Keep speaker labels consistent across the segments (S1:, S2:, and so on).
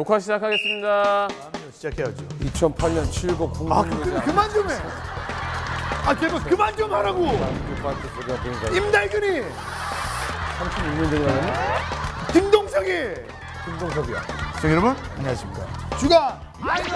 S1: 녹화 시작하겠습니다.
S2: 시작해야죠.
S3: 2008년 7고 국민의장.
S2: 그만 좀 해. 제발 그만 좀 하라고. 임달근이.
S3: 36년 전이라면?
S2: 김동석이.
S3: 김동석이야.
S2: 시청자 여러분 안녕하십니까. 주간 아이돌.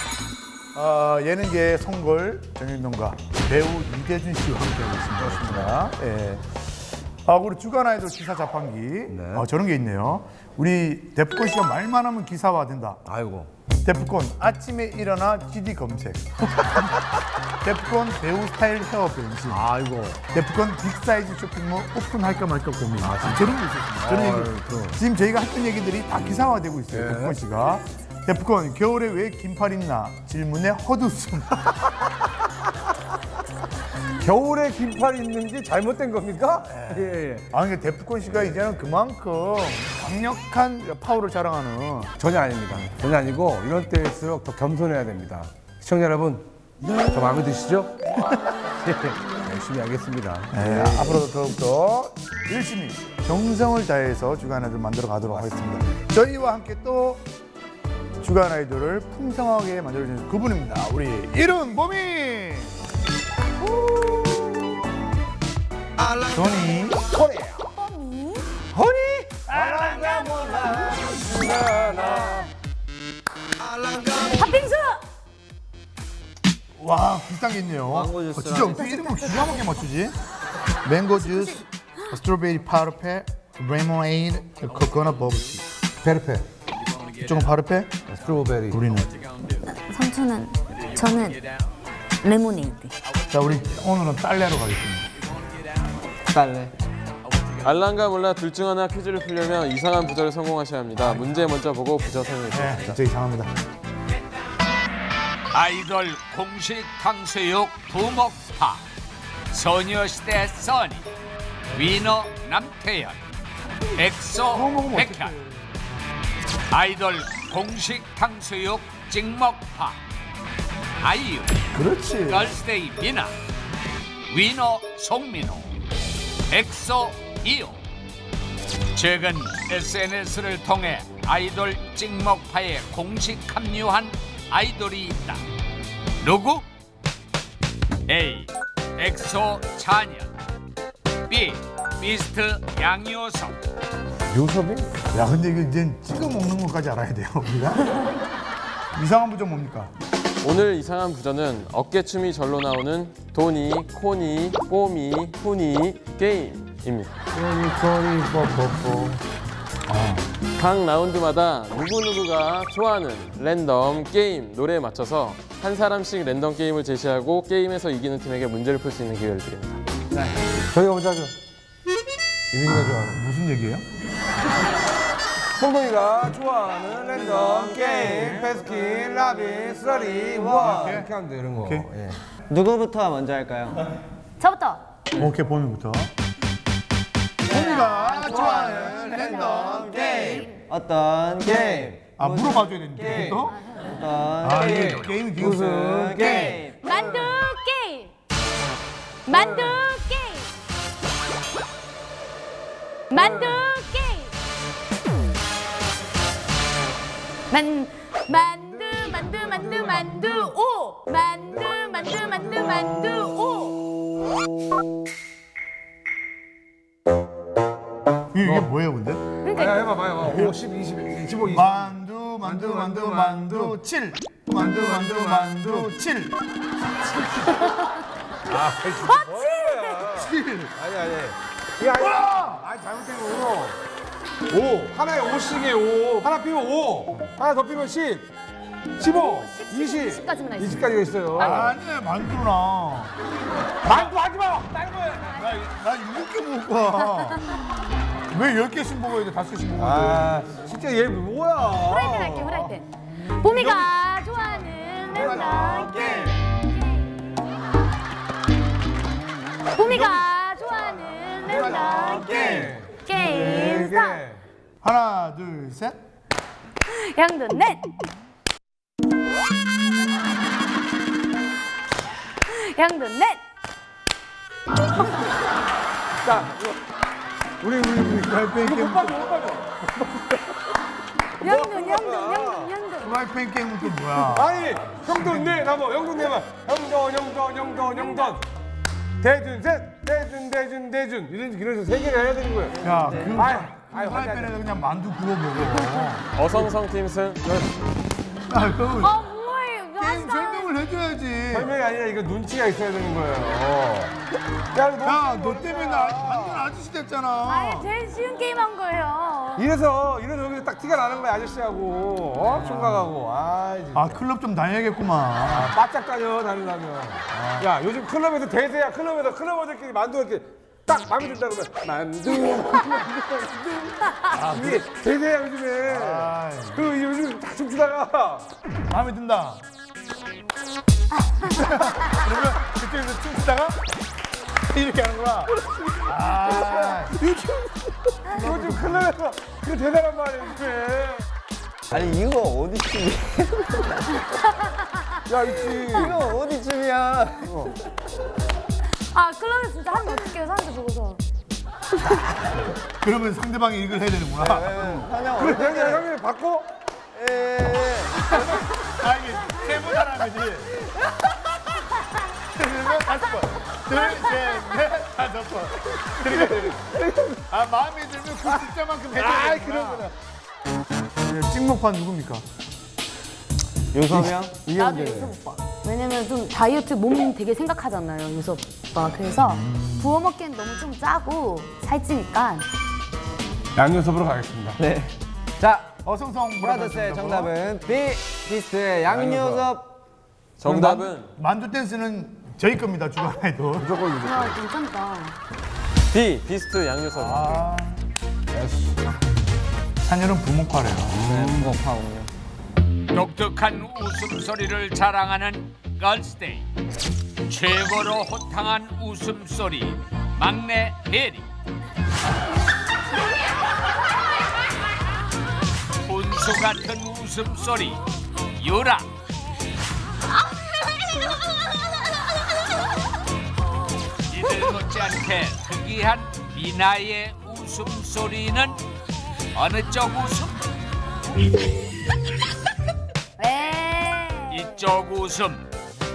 S2: 예능계의 송골 정윤동과 배우 이대준 씨와 함께하고 있습니다. 예. 우리 주간 아이돌 기사 자판기.
S3: 네.
S2: 저런 게 있네요. 우리 데프콘 씨가 말만 하면 기사화된다.
S3: 아이고.
S2: 데프콘 아침에 일어나 GD 검색. 데프콘 배우 스타일 헤어 변신.
S3: 아이고.
S2: 데프콘 빅사이즈 쇼핑몰 오픈할까 말까 고민. 저런 게 있었습니다. 저런 얘기. 지금 저희가 했던 얘기들이 다 기사화되고 있어요. 데프콘 씨가. 데프콘 겨울에 왜 긴팔 입나? 질문에 헛웃음.
S3: 겨울에 긴팔 입는 게 잘못된 겁니까? 예.
S2: 그러니까 데프콘 씨가 이제는 그만큼 강력한 파워를 자랑하는.
S3: 전혀 아닙니다. 전혀 아니고 이런 때일수록 더 겸손해야 됩니다. 시청자 여러분, 저 마음에 드시죠? 열심히 하겠습니다.
S2: 네, 앞으로도 더욱더 열심히 정성을 다해서 주간 아이돌 만들어 가도록 하겠습니다. 저희와 함께 또 주간 아이돌을 풍성하게 만들어주는 그분입니다. 우리 이른봄이 토니
S4: 팥빙수!
S2: 와 비슷한 게 있네요. 진짜 어떻게 이름을 기가 막히게 맞추지? 맹고 주스, 스트로베리 파르페, 레모네이드, 코코넛 버블티.
S3: 베르페.
S2: 이쪽은 파르페,
S3: 스트로베리.
S2: 우리는.
S4: 저는 레모네이드.
S2: 자 우리 오늘은 딸내로 가겠습니다.
S3: 딸래.
S1: 알랑가 몰라 둘 중 하나 퀴즈를 풀려면 이상한 부절을 성공하셔야 합니다. 문제 먼저 보고 부저 설명해 주십니다.
S2: 진짜 이상합니다.
S5: 아이돌 공식 탕수육 부먹파 소녀시대 써니 위너 남태현 엑소 백현 아이돌 공식 탕수육 찍먹파 아이유
S2: 그렇지.
S5: 걸스데이 미나 위너 송민호 엑소 이호 최근 SNS를 통해 아이돌 찍먹파에 공식 합류한 아이돌이 있다. 누구? A. 엑소 찬현 B. 비스트 양효석
S3: 요섭이?
S2: 야 근데 이거 이제 찍어 먹는 것까지 알아야 돼요 우리가. 이상한 부점 뭡니까?
S1: 오늘 이상한 부저는 어깨춤이 절로 나오는 도니, 코니, 뽀미, 후니 게임입니다.
S3: 토니 뽀뽀뽀.
S1: 각 라운드마다 누구누구가 좋아하는 랜덤 게임 노래에 맞춰서 한 사람씩 랜덤 게임을 제시하고 게임에서 이기는 팀에게 문제를 풀 수 있는 기회를 드립니다.
S3: 저희가 먼저 하죠. 유민이가 좋아하는.
S2: 무슨 얘기예요?
S3: 홍동이가 좋아하는 랜덤 게임, 베스킨, 라빈, 쓰라리, 원. 이렇게 하면 돼, 이런 거.
S2: 오케이.
S3: 예.
S6: 누구부터 먼저 할까요?
S4: 저부터.
S2: 오케이 봄이부터. 봄이가 좋아하는 랜덤 게임.
S6: 어떤 게임?
S2: 물어봐줘야 되는데 또?
S6: 어떤
S2: 이게 게임이
S6: 무슨 게임?
S4: 만두 게임. 만두 게임. 만두 게임. 만두 오. 만두 오.
S2: 이게 뭐예요 근데?
S3: 해봐. 5, 10, 20, 15, 20.
S2: 만두 7. 만두 7.
S3: 아, 진짜 7. 아니. 이게 아니, 잘못된 거구나. 5. 하나에 5씩이에요, 5. 하나 피면 5. 하나 더 피면 10. 15, 20.
S4: 20까지나 있어요.
S3: 20까지가 있어요.
S2: 아니야 만두나.
S3: 만두 하지 마! 다른 거야!
S2: 나 7개 먹을 거야. 왜 10개씩 먹어야 돼? 5개씩 먹어야 돼?
S3: 진짜 얘 뭐야?
S4: 후라이팬 할게, 후라이팬. 봄이가 좋아하는 랜덤 게임. 봄이가 좋아하는 랜덤 게임. 스타트.
S2: 하나, 둘, 셋.
S4: 양도 넷. 양도 넷.
S3: 자, 우리
S2: 갈비
S3: 못 빠져.
S4: 영돈.
S2: 프라이팬 게임은 또 뭐야?
S3: 아니 형도 네 나뭐 영돈 내봐. 영돈. 대준 이런 세 개를 해야 되는 거예요.
S2: 야,
S3: 아이,
S2: 프라이팬에서 그냥 만두 구워 먹어.
S1: 어성성 팀 승.
S2: 아, 그거
S4: 뭐예요?
S2: 게임 설명을 해줘야지.
S3: 설명이 아니라 이거 눈치가 있어야 되는 거예요.
S2: 야, 너 때문에 나 완전 아저씨 됐잖아.
S4: 아예 제일 쉬운 게임 한 거예요.
S3: 이래서 여기서 딱 티가 나는 거야 아저씨하고 총각하고.
S2: 아, 클럽 좀 다녀야겠구만.
S3: 바짝 다녀 다니려면. 야 요즘 클럽에서 대세야. 클럽어들끼리 만두 이렇게 딱 마음에 든다 그러면 만두. 이게 대세야 요즘에. 그 요즘 딱 춤추다가
S2: 마음에 든다. 그러면 그쪽에서 춤추다가 이렇게 하는구나.
S3: 요즘 클럽에서 그 대단한 말이야 요즘에.
S6: 아니 이거 어디 춤이야?
S3: 야 있지.
S6: 이거 어디 춤이야?
S4: 아 클럽에 진짜 하면 어떡해요 사람들 보고서.
S2: 그러면 상대방이 이걸 해야 되는구나.
S3: 그래 형님 바꿔.
S2: 아, 이게 세번 하라는 거지. 그러면 5번. 둘, 셋, 넷, 5번. 아, 마음에 들면 그 숫자만큼 해줘야 되는구나. 찍먹판 누굽니까?
S6: 유섭이 형?
S4: 나도 요섭 오빠. 왜냐면 좀 다이어트 몸 되게 생각하잖아요 요섭 오빠. 그래서 부어 먹기엔 너무 좀 짜고 살찌니까.
S3: 양념섭으로 가겠습니다.
S6: 네. 자,
S2: 어성성
S6: 브라더스의 정답은 B. 비스트의 양요섭.
S1: 정답은
S2: 만두 댄스는 저희 겁니다, 주간아이돌.
S4: 아 괜찮다.
S1: B. 비스트 양요섭.
S2: 찬열은 부목화래요.
S6: 네, 무겁하군요.
S5: 독특한 웃음소리를 자랑하는 걸스데이. 최고로 호탕한 웃음소리 막내 혜리. 분수 같은 웃음소리 유라. 이들 못지않게 특이한 미나의 웃음소리는 어느 쪽 웃음? 이쪽 웃음.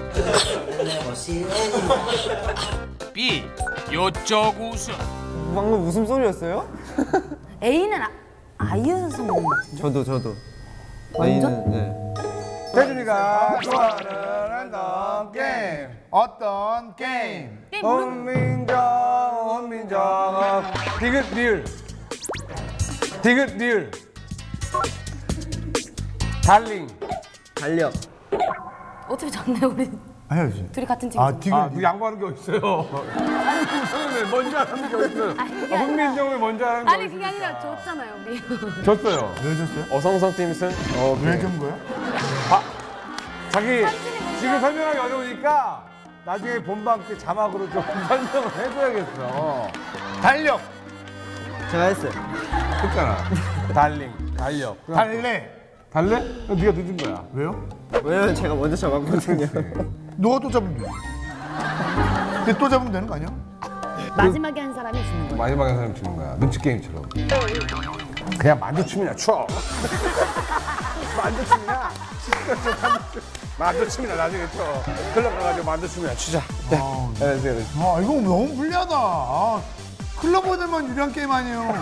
S5: B. 요쪽 웃음.
S6: 방금 웃음소리였어요?
S4: A는 아이유 선배님 같은데.
S6: 저도.
S4: 완전?
S6: 네.
S3: 태준이가 좋아하는 랜덤 게임.
S2: 어떤 게임?
S4: 게임 모르는
S3: 원민정 디귿 리을 달링.
S6: 달력.
S4: 어차피 졌네 우리.
S2: 해야지.
S4: 둘이 같은 팀.
S2: 아, 디귿.
S3: 그 양보하는 게 어딨어요. 형님 먼저 하는 게 어딨어요. 훈민정을 먼저 하는 게
S4: 아니
S3: 어딨어요.
S4: 그게 아니라 졌잖아요 우리.
S3: 졌어요.
S2: 왜 졌어요?
S1: 어성성 팀 승.
S2: 왜 진 거야?
S3: 자기 지금 설명하기 어려우니까 나중에 본방 때 자막으로 좀 설명을 해줘야겠어.
S2: 달력.
S6: 제가 했어요.
S3: 했잖아. 달링, 달력.
S2: 달래.
S3: 달래? 네가 늦은 거야.
S2: 왜요?
S6: 왜냐면 제가 먼저 잡았거든요.
S2: 너가 또 잡으면 돼. 근데 또 잡으면 되는 거 아니야?
S4: 마지막에 한 사람이 지는 거예요.
S3: 마지막에 사람 주는 거야. 눈치 게임처럼. 그냥 만두춤이나 춰. 만두춤이나. 만두춤이나 나중에 춰. 클럽 가가지고 만두춤이나 추자. 그래.
S2: 아, 이거 너무 불리하다. 아, 클럽원들만 유리한 게임 아니에요.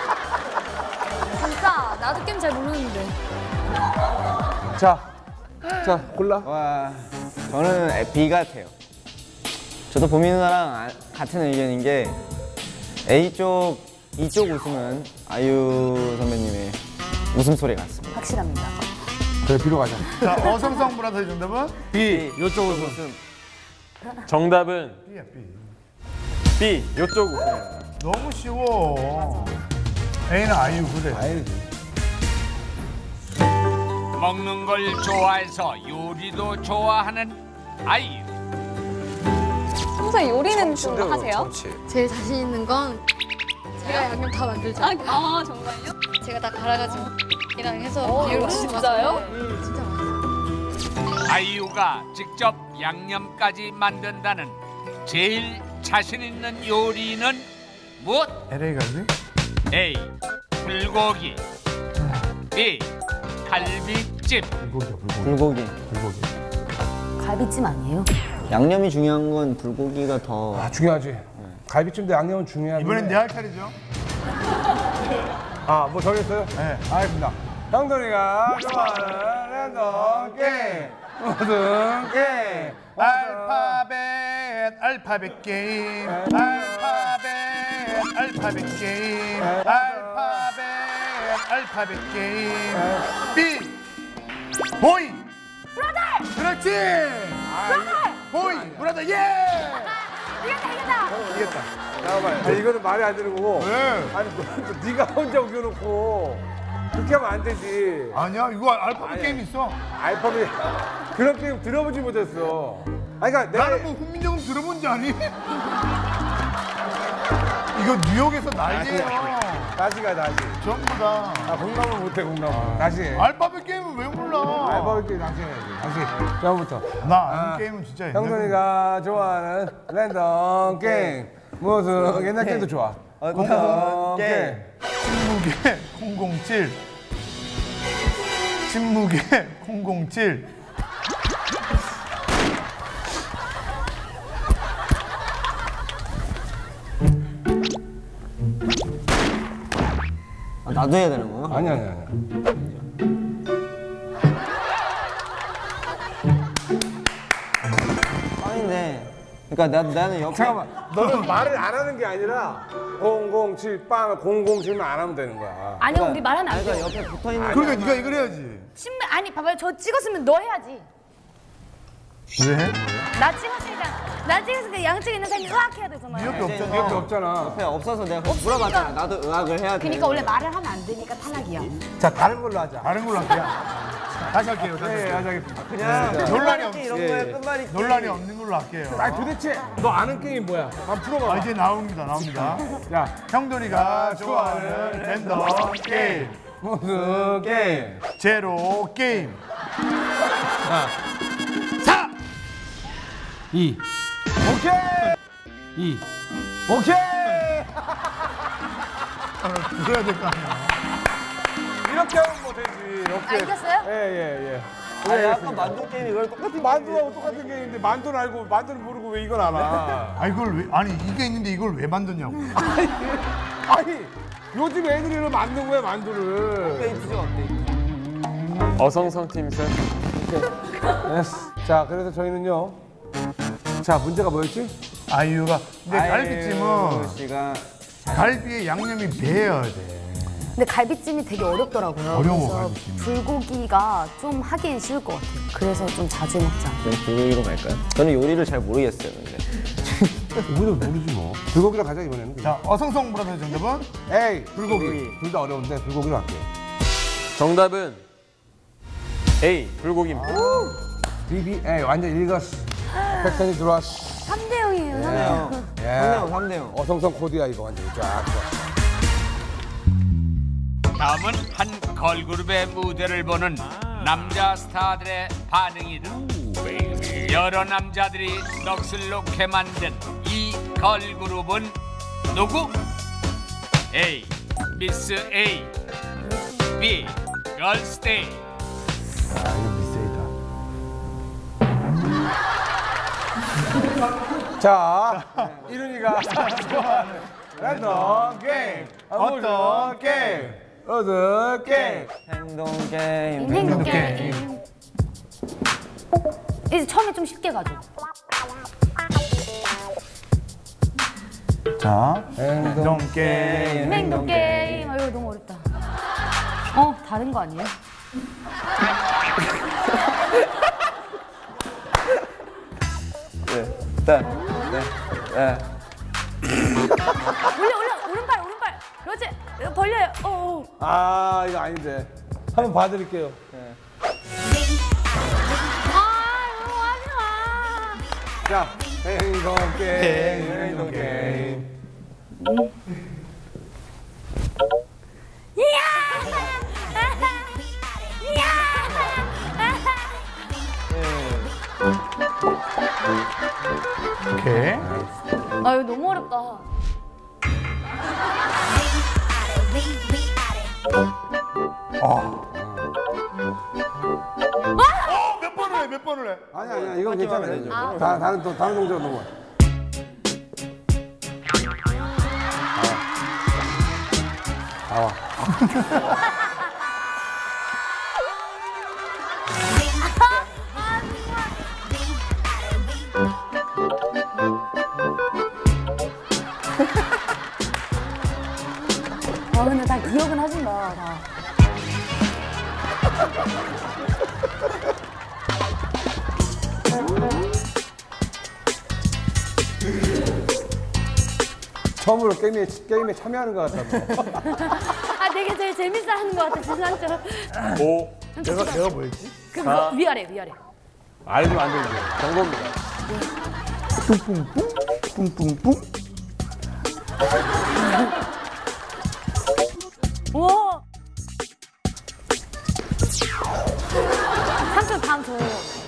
S4: 진짜 나도 게임 잘 모르는데.
S3: 자, 골라.
S6: 와, 저는 B 같아요. 저도 보미 누나랑 같은 의견인 게 A쪽, 이쪽 웃음은 아이유 선배님의 웃음소리 같습니다.
S4: 확실합니다.
S3: 그래, B로 가자.
S2: 자, 어성성 브라더의 정답은?
S3: B, 요쪽 웃음.
S1: 정답은
S2: B야, B.
S1: B. 요쪽 웃음.
S2: 너무 쉬워. A는 아이유 그래.
S3: 아니지.
S5: 먹는 걸 좋아해서 요리도 좋아하는 아이유.
S7: 평소에 요리는 좀 하세요?
S8: 제일 자신 있는 건 제가 양념 다 만들죠.
S7: 아 정말요?
S8: 제가 다 갈아가지고 이랑 해서 비율 맞추는 거
S7: 진짜요?
S8: 같은데 진짜 맛있어요.
S5: 아이유가 직접 양념까지 만든다는 제일 자신 있는 요리는 무엇?
S2: LA 갈비?
S5: A. 불고기 B. 갈비찜.
S6: 불고기.
S4: 갈비찜 아니에요?
S6: 양념이 중요한 건 불고기가 더.
S3: 아, 중요하지. 갈비찜도 양념은 중요한데.
S2: 이번엔 내 할 차례죠.
S3: 아, 뭐 정했어요?
S2: 네.
S3: 알겠습니다. 형돈이가 좋아하는 랜덤 게임. 무슨 게임?
S2: 알파벳 게임. 알파벳 게임. 알파벳 게임. B. 보이. 브라더. 그렇지. 보이. 브라더. 예. 이겼다.
S3: 잠깐만. 아니, 이거는 말이 안 되는 거고.
S2: 왜?
S3: 아니, 또 네가 혼자 우겨놓고 그렇게 하면 안 되지.
S2: 아니야, 이거 알파벳 게임 있어.
S3: 알파벳 그런 게임 들어보지 못했어. 아니, 그러니까 내가
S2: 나는 뭐 훈민정음 들어본 줄 아니? 이거 뉴욕에서 난리예요.
S3: 다시 가 다시.
S2: 전부 다.
S3: 아, 공감을 못해 공감을. 다시 해.
S2: 알파벳 게임은 왜 몰라?
S3: 알파벳 게임 다시 해야지. 다시. 처음부터.
S2: 나 아는 게임은 진짜 옛날
S3: 형돈이가 좋아하는 랜덤 게임. 무슨 옛날 게임도 좋아. 랜덤 게임.
S2: 침묵의 007. 침묵의 007.
S6: 아, 나도 해야 되는 거야?
S3: 아니.
S6: 빵인데. 그러니까 나는 옆에.
S3: 잠깐만. 너는 말을 안 하는 게 아니라 007 빵을 007만 안 하면 되는 거야.
S4: 아니요, 우리 말하면 안
S6: 그러니까
S4: 돼요.
S6: 옆에 붙어 있는.
S2: 그러니까 네가 이걸 해야지.
S4: 아니, 봐봐요. 저 찍었으면 너 해야지.
S2: 왜 해?
S4: 나 찍었으니까 양쪽에 있는 사람이 의학해야 되잖아요.
S2: 이렇게 없잖아.
S3: 이렇게 없잖아.
S6: 옆에 없어서 내가 그거 물어봤잖아. 나도 의학을 해야 돼.
S4: 그러니까 원래 말을 하면 안 되니까 탈락이야.
S3: 자, 다른 걸로 하자.
S2: 다른 걸로 할게요. 다시 할게요. 다시
S3: 네,
S2: 할게요.
S3: 하자.
S6: 그냥
S2: 논란이 없-
S6: 이런 거에 끝말잇기.
S2: 논란이 없는 걸로 할게요.
S3: 아니, 도대체 너 아는 게임이 뭐야? 한번 풀어봐.
S2: 아, 이제 나옵니다.
S3: 자,
S2: 형돈이가 좋아하는 랜덤 게임.
S3: 무슨 게임?
S2: 제로 게임.
S3: 2. 오케이. 2. 오케이.
S2: 들어야 될 거 아니야.
S3: 이렇게 하면 뭐 되지. 이렇게.
S4: 아, 이겼어요?
S3: 예.
S6: 아니 아까 만두 게임이 이걸 똑같은.
S3: 만두하고 똑같은 게임인데 만두는 알고 만두는 모르고 왜 이걸 알아?
S2: 아, 이걸 왜, 아니, 이게 있는데 이걸 왜 만드냐고.
S3: 아니, 요즘 애들이 왜 만든 거야 만두를?
S6: 게임이죠 업데이트.
S1: 어성성 팀선.
S3: 자, 그래서 저희는요. 자, 문제가 뭐였지?
S2: 아이유가. 근데 갈비찜은
S6: 씨가
S2: 갈비에 양념이 배여야 돼.
S4: 근데 갈비찜이 되게 어렵더라고요.
S2: 어려워,
S4: 그래서
S2: 갈비찜이.
S4: 불고기가 좀 하기엔 쉬울 것 같아요. 그래서 좀 자주 먹자.
S6: 그럼 불고기로 갈까요? 저는 요리를 잘 모르겠어요. 근데.
S3: 우리도 모르지 뭐. 불고기로 가자 이번에는.
S2: 자, 어성성 브라더의 정답은?
S3: 에이, 불고기. 둘 다 어려운데 불고기로 할게요.
S1: 정답은 A. 불고기입니다.
S3: BBA 완전 읽었어. 패턴이 들어왔어.
S4: 3대 0이에요.
S3: 예.
S6: 3대 0.
S3: 어성성 코드야 이거 완전 쫙.
S5: 다음은 한 걸그룹의 무대를 보는 남자 스타들의 반응이다. 여러 남자들이 넋을 놓게 만든 이 걸그룹은 누구? A. 미스 A. B. 걸스데이.
S2: 아, 이거 미세이다.
S3: 자, 이른이가 좋아하는 랜덤 게임.
S2: 어떤
S3: 게임? 어떤 게임?
S6: 행동 게임.
S4: 행동 게임. 이제 처음에 좀 쉽게 가죠.
S2: 자, 행동 게임.
S4: 행동 게임. 아, 이거 너무 어렵다. 다른 거 아니에요?
S6: 네.
S4: 올려 오른발. 그렇지. 벌려요.
S3: 아, 이거 아닌데. 한번 봐드릴게요.
S4: 이거 하지 마.
S3: 자, 행동 게임, 행동 게임.
S2: 오케이.
S4: 아, 이거 너무 어렵다.
S2: 몇 번을 해?
S3: 아니야 이건 괜찮아. 다른 동작 넘어. 나와.
S4: 근데 다 기억은 하신다. 다.
S3: 처음으로 게임에 참여하는 것 같다.
S4: 아, 되게 제일 재밌어 하는 것 같아, 진상처럼.
S1: 5,
S2: 내가 뭐였지?
S4: 그럼 위아래.
S1: 알면 안 되죠. 경고입니다.
S2: 뿡뿡뿡.
S4: 우와! 삼촌 다음 저예요.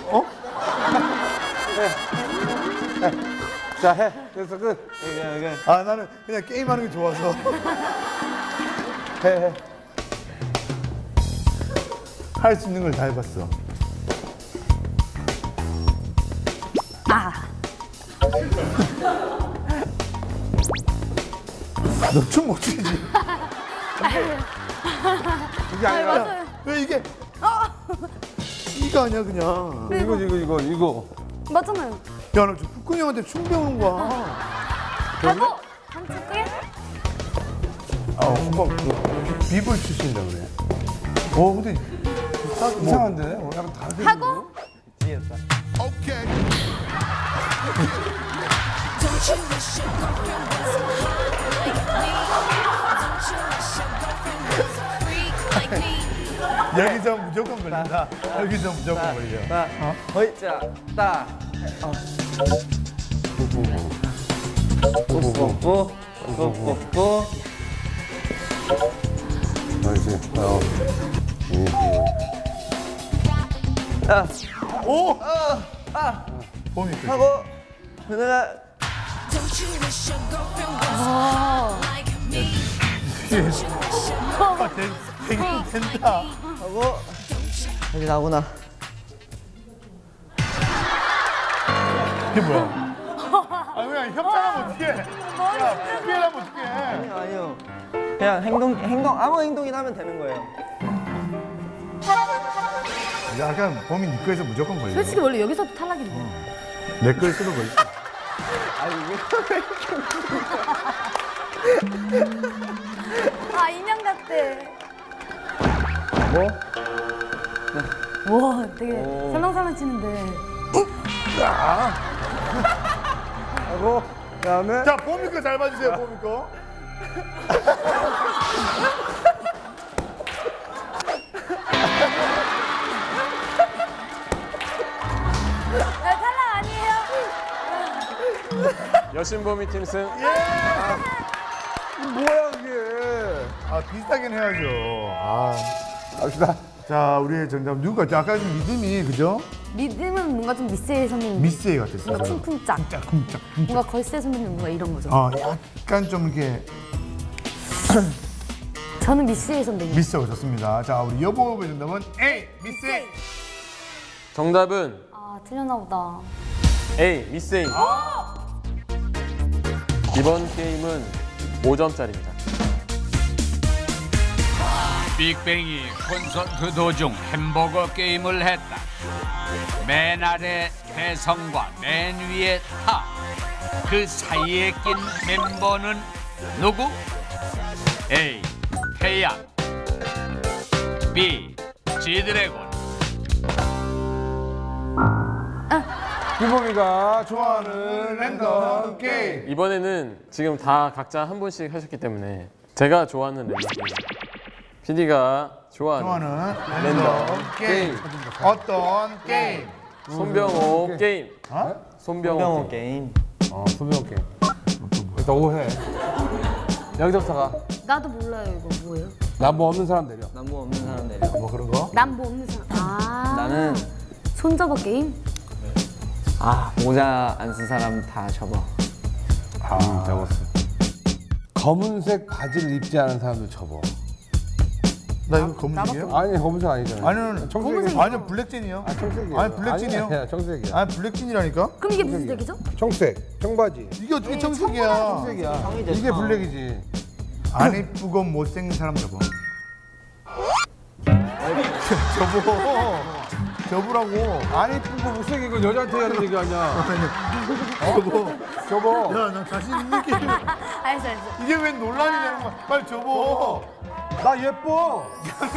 S3: 자 해. 됐어 끝.
S2: 아, 나는 그냥 게임하는 게 좋아서.
S3: 해.
S2: 할 수 있는 걸 다 해봤어. 너 춤 못 추지?
S3: 이게 아니라
S2: 왜 이게? 이거 아니야 그냥.
S3: 이거.
S4: 맞잖아요.
S2: 야, 너 지금 북근이 형한테 춤 배우는 거야.
S4: 하고 한쪽 끄게?
S2: 오빠 그 비볼 출신이다 그래. 근데
S3: 이상한데? 약간 다르게.
S4: 하고
S2: 여기서 무조건 걸린다. 여기서 무조건 걸려.
S6: 허이자 따. 뿌뿌뿌.
S3: 알지.
S2: 오! 봄이 끝.
S6: 하고 내가
S2: 되게 된다.
S6: 하고 여기 나오구나.
S2: 이게 뭐야? 그냥 협찬하면 어떡해? 야, 피해하면 어떡해?
S6: 아니요. 그냥 행동 아무 행동이나 하면 되는 거예요.
S2: 약간 봄이 네 거에서 무조건 걸려.
S4: 솔직히 원래 여기서도 탈락인데.
S2: 내 거에서도 걸려.
S4: 아, 인형 같대.
S3: 뭐?
S4: 와, 되게 설렁설렁 치는데.
S3: 하고 그다음에
S2: 자, 봄이 거 잘 봐주세요, 봄이 거.
S4: 탈락 아니에요?
S1: 여신보미 팀 승.
S3: 뭐야 그게?
S2: 비슷하긴 해야죠.
S3: 갑시다.
S2: 자, 우리의 정답 누가? 아까 좀 믿음이 그죠?
S4: 믿음은 뭔가 좀 미스의 선배님.
S2: 미스에 같았어요.
S4: 뭔가 쿵쿵짝.
S2: 쿵짝.
S4: 뭔가 걸세 선배님 뭔가 이런 거죠.
S2: 약간 좀 이렇게
S4: 저는 미스의 선배님.
S2: 미스하고 좋습니다. 자, 우리 여보의 정답은 A, 미스 A.
S1: 정답은
S4: 아, 틀렸나 보다.
S1: A, 미스 A. 이번 게임은 5점짜리입니다.
S5: 빅뱅이 콘서트 도중 햄버거 게임을 했다. 맨 아래 대성과 맨 위에 타. 그 사이에 낀 멤버는 누구? A. 태양 B. 지드래곤.
S3: 규범이가
S2: 좋아하는 랜덤 게임.
S1: 이번에는 지금 다 각자 한 분씩 하셨기 때문에 제가 좋아하는 랜덤 게임, PD가 좋아하는
S2: 랜덤 게임. 어떤 게임?
S1: 손병호 게임. 손병호
S6: 게임.
S3: 소병 게임. 일단 오해. 여기서부터 가.
S4: 나도 몰라요, 이거 뭐예요?
S3: 나뭐 없는 사람 내려.
S6: 남부 없는 사람 내려.
S2: 뭐 그런 거?
S4: 난 뭐 없는 사람.
S6: 나는
S4: 손잡아 게임?
S6: 모자 안 쓴 사람 다 접어.
S3: 적었어. 검은색 바지를 입지 않은 사람도 접어.
S2: 나 이거 검은색이에요?
S3: 아니 검은색 아니잖아요.
S2: 아니는
S3: 청색이.
S2: 아니요 블랙진이요.
S3: 청색이에요.
S2: 아니 블랙진이요.
S3: 아니야, 청색이야.
S2: 아니 블랙진이라니까.
S4: 그럼 이게 무슨 색이죠?
S3: 청색, 청바지.
S2: 이게 어떻게 청색이야?
S3: 청색이야. 이게 블랙이지.
S2: 안 이쁘고 못생긴 사람 접어. 접으라고.
S3: 안 이쁘고 못생긴 건 여자한테 하는 얘기 아니야. 접어.
S2: 야, 나 자신 있는 게
S4: 알았어.
S2: 이게 왜 논란이 되는 거야? 빨리 접어.
S3: 나 예뻐.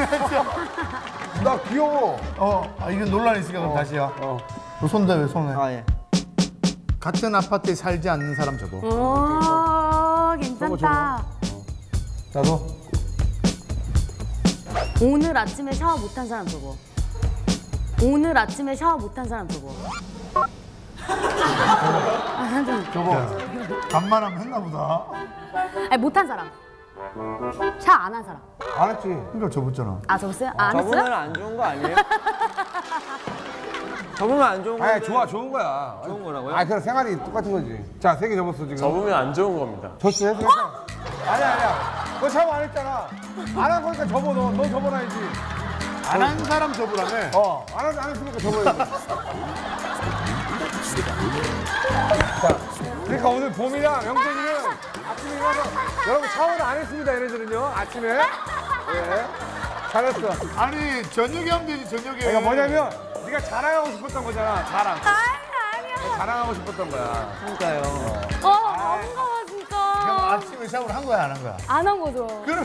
S3: 나 귀여워.
S2: 이건 논란이 있으니까 그럼 다시야. 너 손대 왜 손에?
S6: 아 예.
S2: 같은 아파트에 살지 않는 사람 접어.
S4: 오, 괜찮다.
S3: 나도.
S4: 오늘 아침에 샤워 못한 사람 저거. 오늘 아침에 샤워 못한 사람 저거.
S2: 접어. 간만하면 했나 보다.
S4: 아니 못한 사람. 샤워 안 한 사람.
S3: 안 했지.
S2: 그러니까 접었잖아.
S4: 아 접었어요? 아, 안
S6: 저분은
S4: 했어요?
S6: 안 좋은 거 아니에요? 저분은 안 좋은
S3: 아니
S6: 건데.
S3: 좋은 거야.
S6: 좋은 거라고요?
S3: 아 그냥 생활이 똑같은 거지. 자, 3개 접었어 지금.
S1: 접으면 안 좋은 겁니다.
S3: 졌어, 했어. 아니야. 너 샤워 안 했잖아. 안 한 거니까 접어. 너 접어놔야지.
S2: 안 한 사람 접으라며.
S3: 안 했으니까 접어야지. 자, 그러니까 오늘 봄이랑 영택이는 아침에 일어나서 여러분 샤워를 안 했습니다, 얘네들은요. 아침에. 예. 잘했어.
S2: 아니 저녁에 하면 되지 저녁에.
S3: 그러니까 뭐냐면 네가 자랑하고 싶었던 거잖아. 자랑.
S4: 아니야.
S3: 자랑하고 싶었던 거야.
S6: 그러니까요.
S4: 반가워 진짜.
S2: 그럼 아침에 샤워를 한 거야 안 한 거야?
S4: 안 한 거죠.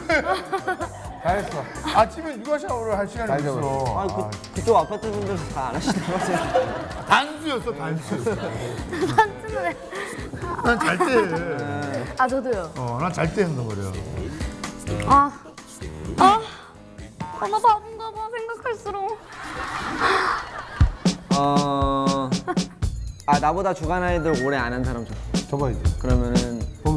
S3: 잘했어.
S2: 아침에 누가 샤워를 할 시간이
S3: 잘
S2: 없어.
S6: 아, 그쪽 아파트 분들 다 안 하시는 거세요?
S2: 단수였어 단수.
S4: 단순해.
S2: 난 잘 때.
S4: 아 저도요.
S2: 난 잘 때 한단 말이야.
S4: 나 바본가 봐 생각할수록.
S6: 나보다 주간 아이돌 오래 안 한 사람
S3: 접어야지.
S6: 그러면은
S3: 봄이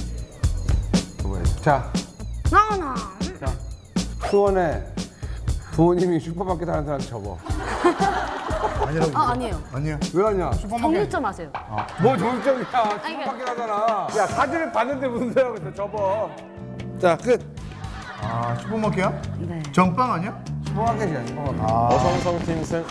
S3: 접어야지. 자,
S4: 나나.
S3: 수원에 부모님이 슈퍼마켓 하는 사람 접어.
S2: 아니라고.
S4: 아니에요.
S2: 아니야.
S3: 왜 하냐?
S4: 정일점 하세요.
S3: 뭐 정점이야. 슈퍼마켓 하잖아. 야, 사진을 봤는데 무슨 소리하고 있어. 접어. 자, 끝.
S2: 슈퍼마켓이야?
S4: 네.
S2: 정빵 아니야?
S3: 슈퍼마켓이야, 슈퍼마켓.
S1: 어성성 팀 승.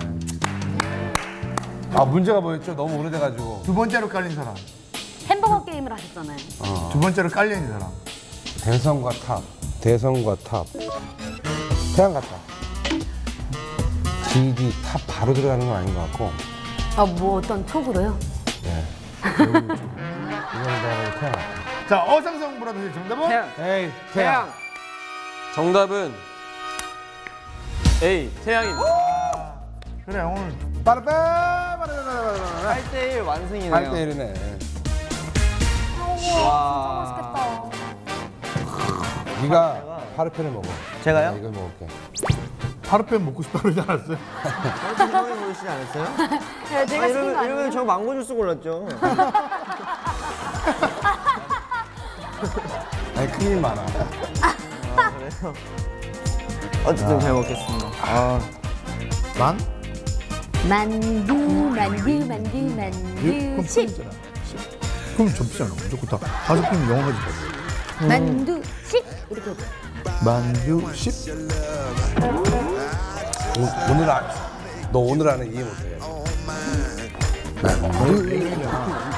S3: 문제가 뭐였죠? 너무 오래돼가지고.
S2: 두 번째로 깔린 사람.
S4: 햄버거 게임을 하셨잖아요.
S2: 두 번째로 깔려 있는 사람.
S3: 대성과 탑. 대성과 탑. 태양 같다. GD 탑 바로 들어가는 건 아닌 것 같고.
S4: 뭐 어떤 촉으로요?
S3: 네. 이건 내가 태양 같다.
S2: 자 어상성 브라더스 정답은?
S6: 태양.
S3: 에이,
S6: 태양.
S1: 정답은 A 태양입니다.
S2: 그래 오늘
S3: 빠르빠르빠르빠르
S6: 8대1 완승이네요.
S3: 8대1이네.
S6: 와.
S3: 네가 파르페를 먹어.
S6: 제가요?
S3: 나 이걸 먹을게.
S2: 파르페 먹고 싶다 그러지 않았어요?
S6: 처음에 보시지 않았어요?
S4: 네, 제가 시킨 거
S6: 이러면
S4: 아니에요?
S6: 저 망고 주스 골랐죠.
S3: 아니 큰일 많아.
S6: 그래서 어쨌든 잘 먹겠습니다.
S4: 만두 10.
S2: 그럼 접시잖아. 무조건 다. 다섯 분 영어까지 봐.
S4: 만두 10 이렇게 해줘.
S2: 만두 10.
S3: 오늘 너 오늘 안에 이해 못해.
S2: 만두